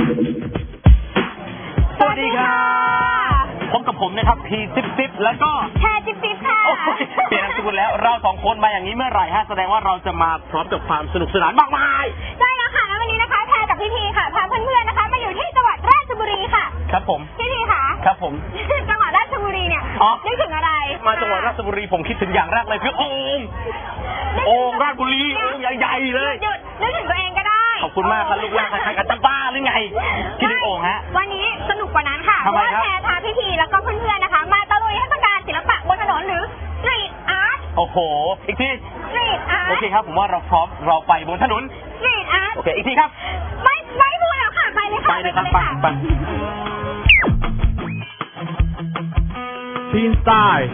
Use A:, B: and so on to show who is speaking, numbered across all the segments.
A: สวัสดีค่ะพบกับผมนะครับพีซิปแล้วก็
B: แพรจิ๊บค่ะ
A: เปลี่ยนนามสกุลแล้วเราสองคนมาอย่างนี้เมื่อไหร่ฮะแสดงว่าเราจะมาพร้อมกับความสนุกสนานมากมาย
B: ใช่แล้วค่ะแล้ววันนี้นะคะแพรกับพี่พีค่ะพาเพื่อนๆนะคะมาอยู่ที่จังหวัดราชบุรีค่ะ
A: ครับผม
B: พี่พีค่ะ
A: ครับผม
B: จังหวัดราชบุรีเนี่ยนึกถึงอะไร
A: มาจังหวัดราชบุรีผมคิดถึงอย่างแรกเลยคือโอ่งราชบุรีโอ่งใหญ่ๆเลย
B: หยุดนึกถึงตัวเองก็ได้
A: ขอบคุณมากครับลูกหลานใครๆกันจะบ้าหรือไงคิดถึงโอ่งฮะ
B: วันนี้สนุกกว่านั้นค่ะเพราะว่าแพรพาพี่พีแล้วก็เพื่อนๆนะคะมาตะลุยเทศกาลศิลปะบนถนนหรือสตรีทอาร์ต
A: โอ้โหอีกที
B: สตรีทอาร์ต
A: โอเคครับผมว่าเราพร้อมเราไปบนถนน
B: สตรีทอาร์ต
A: โอเคอีกทีครับ
B: ไม่พูดแล้วค่ะไปเลยค่ะ
A: ไปเลยครับไป
C: ทีนสไตล์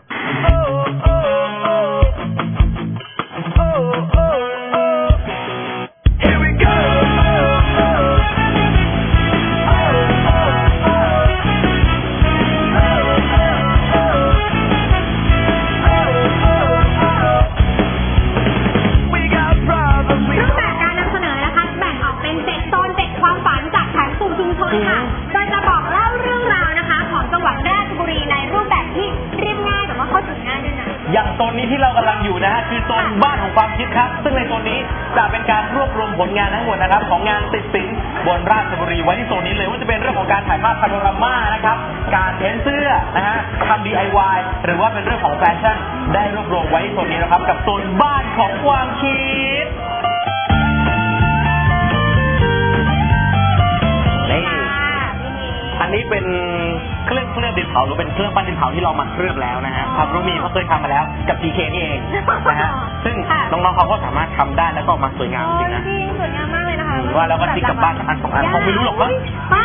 A: อย่างโซนนี้ที่เรากำลังอยู่นะฮะคือโซนบ้านของความคิดครับซึ่งในโซนนี้จะเป็นการรวบรวมผลงานทั้งหมดนะครับของงานติดสินบนราชบุรีไว้ที่โซนนี้เลยว่าจะเป็นเรื่องของการถ่ายภาพพาโนรามานะครับการเพ้นเสื้อนะฮะทำ DIY หรือว่าเป็นเรื่องของแฟชั่นได้รวบรวมไว้ที่โซนนี้นะครับกับโซนบ้านของความคิดอันนี้เป็นเครื่องดินเผาหรือเป็นเครื่องปั้นดินเผาที่เรามาเคลือบแล้วนะฮะความรู้มีเขาเคยทำมาแล้วกับ TK นี่เองนะฮะซึ่งน้องๆเขาก็สามารถทำได้แล้วก็มาสวยงามจริงนะ
B: สวยงามมากเลยนะคะ
A: ว่าแล้วก็ทิ้งกลับบ้านอันสองอันคงไม่รู้หรอกว่า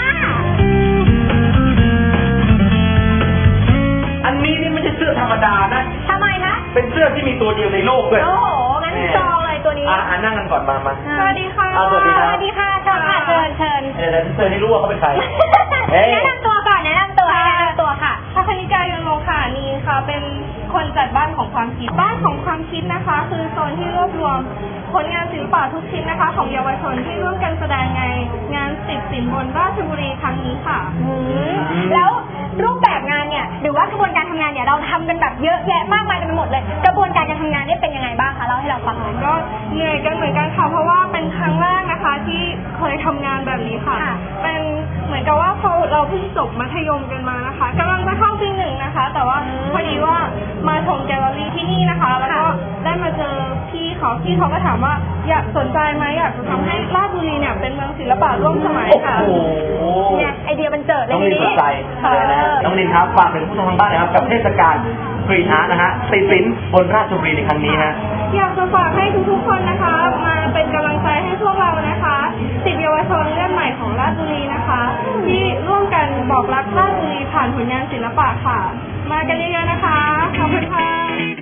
A: อันนี้นี่ไม่ใช่เสื้อธรรมดานะ
B: ทำไมคะ
A: เป็นเสื้อที่มีตัวเดียวในโลกเลย
B: โอ้โหงั้นจองเลยตัวนี้
A: นั่งกันก่อนมา
B: สวัสดีค่ะ
A: สวัสดีค่ะ
B: สวัสดีค่ะเชิญค่ะเชิญ
A: เดี๋ยวเชิญให้รู้ว่าเขาเป็นใคร
B: แนะนำตัวก่อนแนะนำตัวค่ะ
D: พัฒนิกายนโลคานีค่ะเป็นคนจัดบ้านของความคิดบ้านของความคิดนะคะคือโซนที่รวบรวมผลงานศิลปะทุกชิ้นนะคะของเยาวชนที่ร่วมกันแสดงในงานติดสินบนราชบุรีครั้งนี้ค่ะ
B: แล้วรูปแบบงานเนี่ยหรือว่ากระบวนการทำงานเนี่ยเราทำกันแบบเยอะแยะมากมายกันไปหมดเลยกระบวนการการทำงานนี่เป็นยังไงบ้างคะเล่าให้เราฟังหน่อย
D: ก็เหนื่อยกันเหมือนกันค่ะเพราะว่าเป็นครั้งแรกนะคะที่เคยทำงานแบบนี้ค่ะเป็นเหมือนกับว่าพอเราเพิ่งจบมัธยมกันมานะคะกำลังจะเข้าปีหนึ่งนะคะแต่ว่าพอดีว่ามาชมแกลเลอรี่ที่นี่นะคะแล้วก็ได้มาเจอพี่เขาก็ถามว่าอยากสนใจไหมอยากจะทำให้ราชบุรีเนี่ยเป็นเมืองศิลปะร่วมสมัยค่ะ
B: เนี่ยไอเดียมันเจิดเลย
A: น้องนินสนใจน้องนินครับฝากเป็นผู้ชมทางบ้านนะครับกับเทศกาลสตรีทอาร์ตนะฮะติดสินบนราชบุรีในครั้งนี้ฮะ
D: อยากจะฝากให้ทุกๆคนนะคะมาเป็นกำลังใจให้พวกเรานะคะสิบเยาวชนเรื่องใหม่ของราชบุรีนะคะที่ร่วมกันบอกรักราชบุรีผ่านผลงานศิลปะค่ะมากันเยอะๆนะคะขอบคุณค่ะ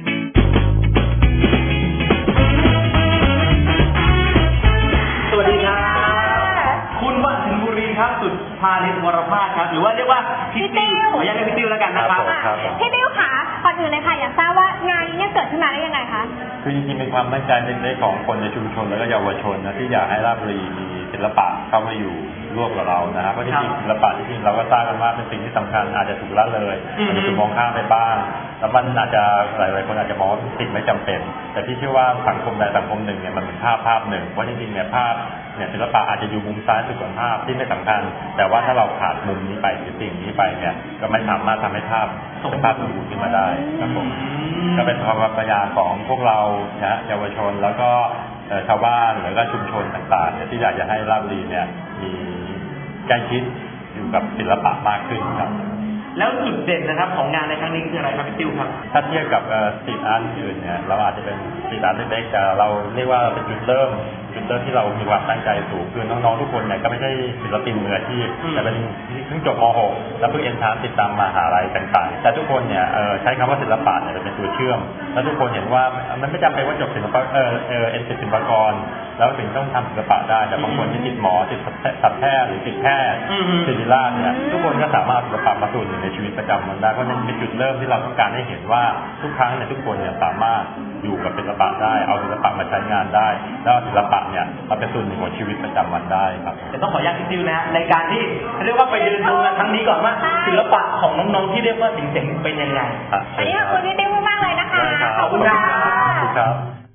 A: สวัสดีครับคุณวัฒนบุรีครับสุดพาลินวรภาสครับหรือว่าเรียกว่าพี่ติ้วขออนุญาตเรียกพี่ติ้วแล้วกันนะครับ
B: พี่ติ้วค่ะก่อนอื่นเลยค่ะอยากทราบว่างานนี้เนี่ยเกิดขึ้นมาได้ยังไงคะ
C: คือจริงๆเป็นความตั้งใจเล็กๆของคนในชุมชนและก็เยาวชนนะที่อยากให้ราชบุรีมีศิลปะเข้ามาอยู่ร่วมกับเรานะครับเพราะจริงๆศิลปะจริงๆเราก็ทราบกันว่าเป็นสิ่งที่สำคัญอาจจะถูกละเลยอาจจะถูกมองข้ามไปบ้างแล้วมันอาจจะหลายๆคนอาจจะมองว่าเป็นสิ่งไม่จำเป็นแต่ที่เชื่อว่าสังคมใดสังคมหนึ่งเนี่ยมันเป็นภาพหนึ่งว่าจริงๆเนี่ยภาพเนี่ยศิลปะอาจจะอยู่มุมซ้ายสุดของภาพที่ไม่สำคัญแต่ว่าถ้าเราขาดมุมนี้ไปหรือสิ่งนี้ไปเนี่ยก็ไม่สามารถทำให้ภาพเป็นภาพสมบูรณ์ขึ้นมาได้ครับผมก็เป็นความพยายามของพวกเรานะเยาวชนแล้วก็ชาวบ้านหรือก็ชุมชนต่างๆที่อยากจะให้ราชบุรีเนี่ยมีใกล้ชิดอยู่กับศิลปะมากขึ้นครับ
A: แล้วจุดเด่นนะครับของงานในครั้งนี้คืออะไรครับพี่ติ้วครับ
C: ถ้าเทียบกับสตรีทอาร์ตอื่นเนี่ยเราอาจจะเป็นสตรีทอาร์ตเล็กๆแต่เราเรียกว่าเป็นจุดเริ่มที่เรามีความตั้งใจสูงคือน้องๆทุกคนเนี่ยก็ไม่ใช่ศิลปินมืออาชีพแต่เป็นเพิ่งจบม .6 แล้วเพิ่งเอ็นทรานซ์ติดตามมหาลัยต่างๆแต่ทุกคนเนี่ยใช้คำว่าศิลปะเนี่ยเป็นตัวเชื่อมแล้วทุกคนเห็นว่ามันไม่จำเป็นว่าจบศิลปะศิลปากรแล้วถึงต้องทำศิลปะได้แต่บางคนที่ติดหมอติดสัตวแพทย์หรือติดแพทย์ศิริราชเนี่ยทุกคนก็สามารถศิลปะมาส่วนหนึ่งในชีวิตประจำวันได้เพราะฉะนั้นเป็นจุดเริ่มที่เราต้องการให้เห็นว่าทุกครั้งเนี่ยทุกคนเนี่ยสามารถอยู่กับศิลปะได้เอาศิลปะมาใช้งานได้แล้วศิลปะเนี่ยมาเป็นส่วนหนึ่งของชีวิตประจำวันได้ครับ
A: แต่ต้องขออนุญาตพี่ดิวนะในการที่เรียกว่าไปเดินดูงานครั้งนี้ก่อนว่าศิลปะของน้องๆที่เรียกว่าเจ๋งๆเป็นยังไง
B: วันนี้ขอบคุณพี่ดิวมากเลยนะคะ
A: ขอบคุณครับ
C: ครับ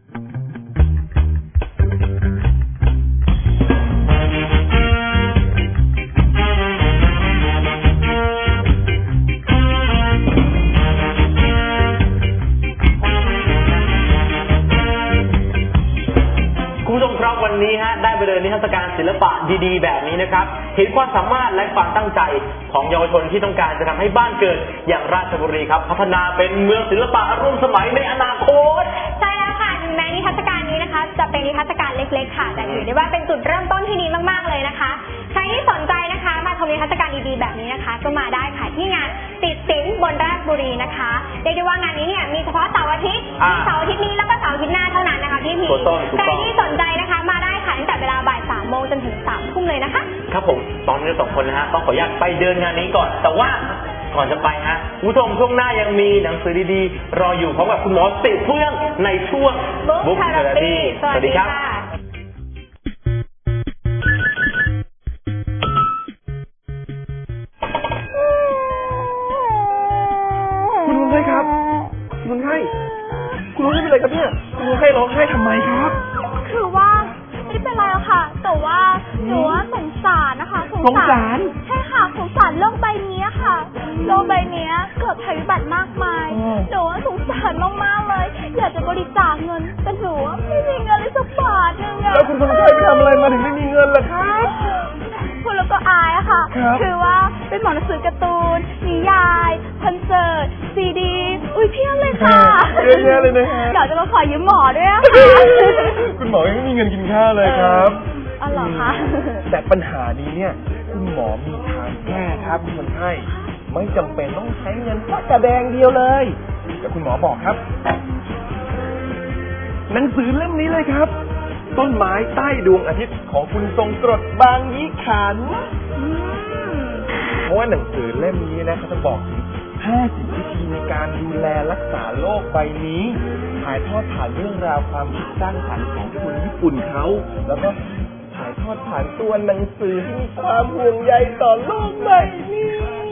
A: วันนี้ฮะได้ไปเดินนิทรรศการศิลปะดีๆแบบนี้นะครับเห็นความสามารถและความตั้งใจของเยาวชนที่ต้องการจะทำให้บ้านเกิดอย่างราชบุรีครับพัฒนาเป็นเมืองศิลปะร่วมสมัยในอนาคต
B: ใช่แล้วค่ะถึงแม้นิทรรศการนี้นะคะจะเป็นนิทรรศการเล็กๆค่ะแต่ถือได้ว่าเป็นจุดเริ่มต้นที่ดีมากๆเลยนะคะใครที่สนใจนะคะมาชมนิทรรศการดีๆแบบนี้นะคะก็มาได้ค่ะที่งานติดศิลป์บนราชบุรีนะคะเรียกได้ว่างานนี้เนี่ยมีเฉพาะเสาร์อาทิตย์เสาร์อาทิตย์นี้แล้วก็เสาร์อาทิตย์หน้าเท่านั้นนะคะพี่พีใครที่สนใจนะคะมาได้ค่ะตั้งแต่เวลาบ่าย 3 โมงจนถึง 3 ทุ่มเลยนะคะ
A: ครับผมตอนนี้2 คนนะฮะต้องขออนุญาตไปเดินงานนี้ก่อนแต่ว่าก่อนจะไปฮะคุณผู้ชมช่วงหน้ายังมีหนังสือดีๆรออยู่พร้อมกับคุณหมอติเฟื่องในช่วง
B: Book Therapy สวัสดีครับ
E: คุณลุงไข้ครับคุณลุงไข้คุณลุงไม่เป็นไรครับเนี่ยคุณลุงไข้ร้องไห้ทำไมครับ
B: คือว่าไม่เป็นไรอะค่ะแต่ว่าหนูว่าสงสารนะคะ
E: สงสาร
B: ใช่ค่ะสงสารโลกใบนี้ค่ะโลกใบนี้เกิดภัยพิบัติมากมายหนูว่าสงสารมากๆเลยอยากจะบริจาคเงินแต่หนูไม่มีเงินเลยสักบาทนึงอะ
E: แล้วคุณคนไข้ไปทำอะไรมาถึงไม่มีเงินล่ะครับ
B: คุณแล้วก็อายอะค่ะคือว่าเป็นหมอหนังสือการ์ตูนนิยายคอนเสิร์ตซีดีเพี้ยนเลยค่ะ
E: เยอะแยะเลยนะฮะ
B: เดี๋ยวจะมาขอยืมหมอด้วยค่ะ
E: คุณหมอยังไม่มีเงินกินข้าวเลยครับ
B: อ๋อเหรอคะ
E: แต่ปัญหานี้เนี่ยคุณหมอมีทางแก้ครับคุณคนไข้ไม่จำเป็นต้องใช้เงินสักกระแดงเดียวเลยแต่คุณหมอบอกครับหนังสือเล่มนี้เลยครับต้นไม้ใต้ดวงอาทิตย์ของคุณทรงกรดบางยี่ขันเพราะว่าหนังสือเล่มนี้นะเขาจะบอกถึง50 วิธีในการดูแลรักษาโลกใบนี้ถ่ายทอดผ่านเรื่องราวความคิดสร้างสรรค์ของคนญี่ปุ่นเขาแล้วก็ถ่ายทอดผ่านตัวหนังสือที่มีความห่วงใยต่อโลกใบนี้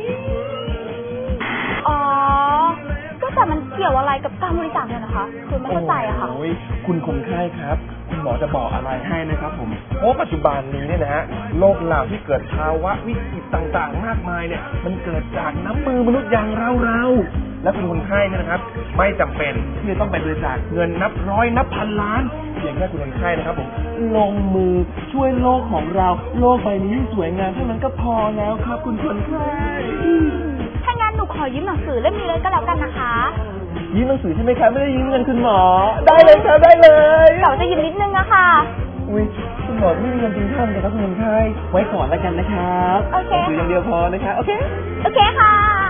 B: อ๋อก็แต่มันเกี่ยวอะไรกับการบริจาคเนี่ยนะคะคือไม่เข้าใจอะค่ะ
E: คุณคนไข้ครับคุณหมอจะบอกอะไรให้นะครับผมเพราะปัจจุบันนี้เนี่ยนะฮะโลกเราที่เกิดภาวะวิกฤตต่างๆมากมายเนี่ยมันเกิดจากน้ำมือมนุษย์อย่างเราและคุณคนไข้เนี่ยนะครับไม่จำเป็นที่จะต้องไปบริจาคเงินนับร้อยนับพันล้านเพียงแค่คุณคนไข้นะครับผมลงมือช่วยโลกของเราโลกใบนี้สวยงามเท่านั้นก็พอแล้วครับคุณคนไข้
B: ถ้างั้นหนูขอยืมหนังสือเล่มนี้เลยก็แล้วกันนะคะ
E: ยืมหนังสือใช่ไหมครับไม่ได้ยืมเงินคุณหมอได้เลยครับได้เลย
B: แต่จะยืมนิดนึงอะค่ะ
E: อุ้ยคุณหมอไม่มีเงินกินข้าวเลยครับคุณคนไข้ไว้ก่อนแล้วกันนะครับ
B: โอเค
E: หนังสืออย่างเดียวพอนะคะโอเค
B: ค่ะ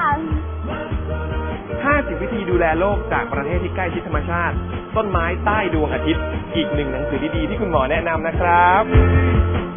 E: 50 วิธีดูแลโลกจากประเทศที่ใกล้ชิดธรรมชาติต้นไม้ใต้ดวงอาทิตย์อีกหนึ่งหนังสือดีๆที่คุณหมอแนะนำนะครับ